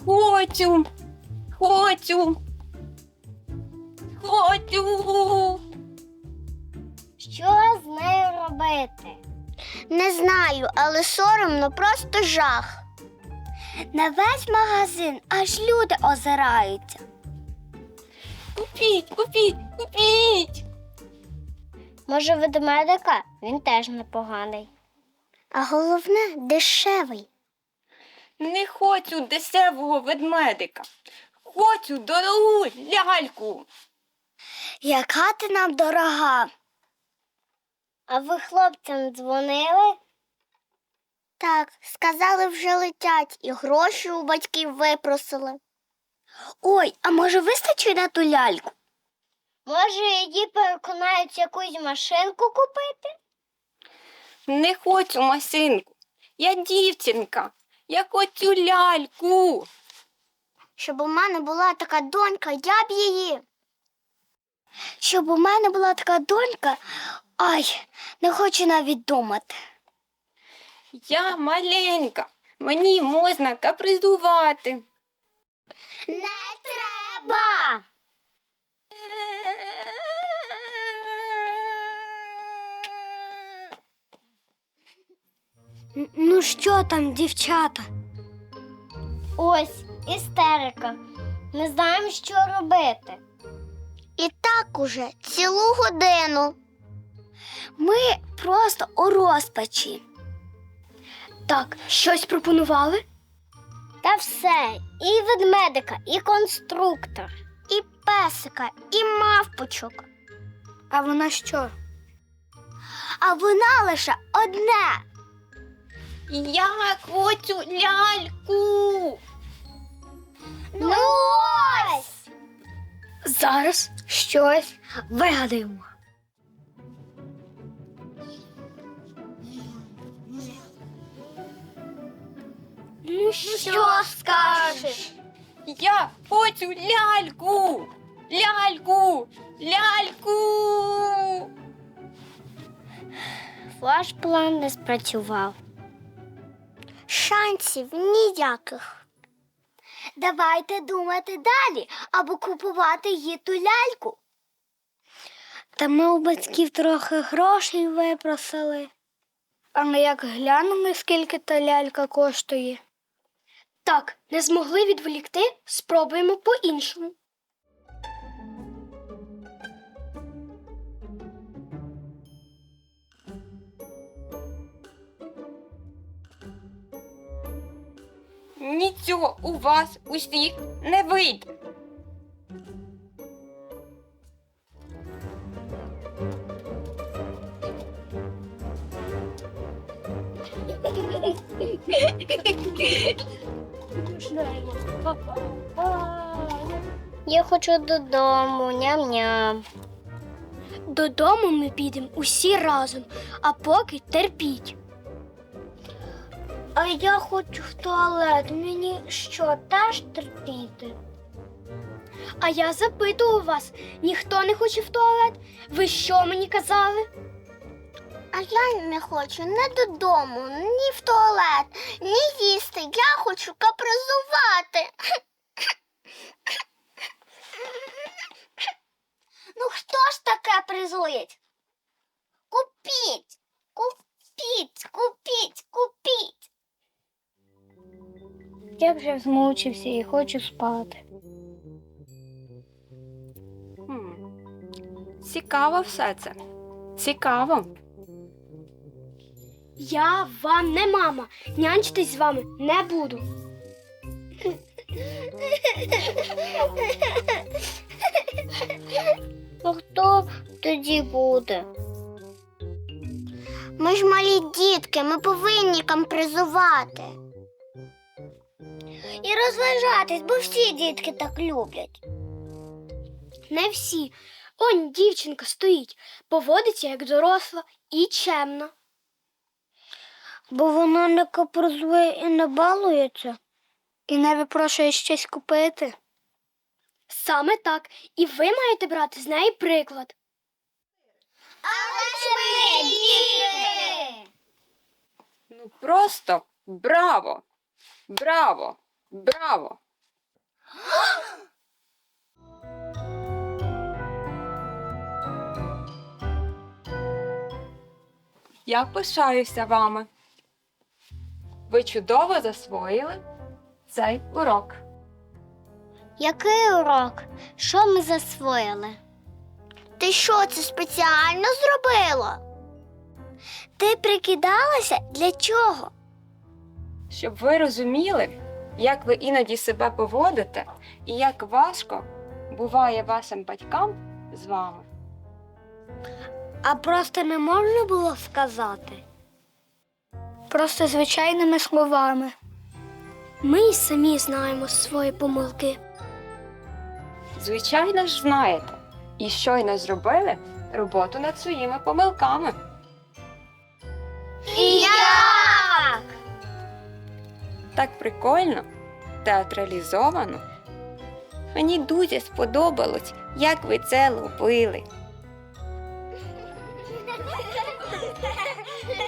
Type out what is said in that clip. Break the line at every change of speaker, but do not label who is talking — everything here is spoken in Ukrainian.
Хочу. Хочу. Хочу.
Що з нею робити? Не знаю, але соромно, просто жах. На весь магазин аж люди озираються.
Купіть, купіть, купіть.
Може, ведмедика? Він теж непоганий. А головне, дешевий.
Не хочу дешевого ведмедика. Хочу дорогу ляльку.
Яка ти нам дорога? А ви хлопцям дзвонили? Так, сказали, вже летять і гроші у батьків випросили. Ой, а може вистачить на ту ляльку? Може, її переконають якусь машинку купити?
Не хочу машинку. Я дівчинка. Я хочу ляльку.
Щоб у мене була така донька, я б її. Щоб у мене була така донька, ай, не хочу навіть думати.
Я маленька. Мені можна капризувати.
Не треба! Ну що там, дівчата? Ось, істерика. Не знаємо, що робити. І так уже цілу годину. Ми просто у розпачі. Так, щось пропонували? Та все. І ведмедика, і конструктор, і песика, і мавпочок. А вона що? А вона лише одне.
Я хочу ляльку.
Ну ось! Зараз щось вигадаємо. Ну що скажеш?
Я хочу ляльку. Ляльку. Ляльку.
Ваш план не спрацював. Шансів ніяких. Давайте думати далі, або купувати їй ту ляльку. Та ми у батьків трохи грошей випросили. А ми як глянули, скільки та лялька коштує. Так, не змогли відволікти, спробуємо по-іншому.
Нічого у вас усіх не вийде.
Я хочу додому, ням-ням. Додому ми підемо усі разом, а поки терпіть. А я хочу в туалет. Мені що, теж терпіти? А я запитую вас, ніхто не хоче в туалет? Ви що мені казали? А я не хочу ні додому, ні в туалет, ні їсти. Я хочу капризувати. Ну хто ж таке призують? Купіть, купіть, купіть, купіть. Я вже змучився і хочу спати.
Цікаво все це. Цікаво.
Я вам не мама, нянчитись з вами не буду. А хто тоді буде? Ми ж малі дітки, ми повинні кампризувати. І розважатись, бо всі дітки так люблять. Не всі. Он дівчинка стоїть, поводиться як доросла і чемна. Бо вона не капризує і не балується, і не випрошує щось купити. Саме так. І ви маєте брати з неї приклад. Але ж ми діти!
Ну просто браво! Браво! Браво! Я пишаюся вами. Ви чудово засвоїли цей урок.
Який урок? Що ми засвоїли? Ти що, це спеціально зробила? Ти прикидалася для чого?
Щоб ви розуміли, як ви іноді себе поводите і як важко буває вашим батькам з вами.
А просто не можна було сказати? Просто звичайними словами. Ми й самі знаємо свої помилки.
Звичайно ж знаєте, і щойно зробили роботу над своїми помилками.
І як?
Так прикольно, театралізовано. Мені дуже сподобалось, як ви це робили.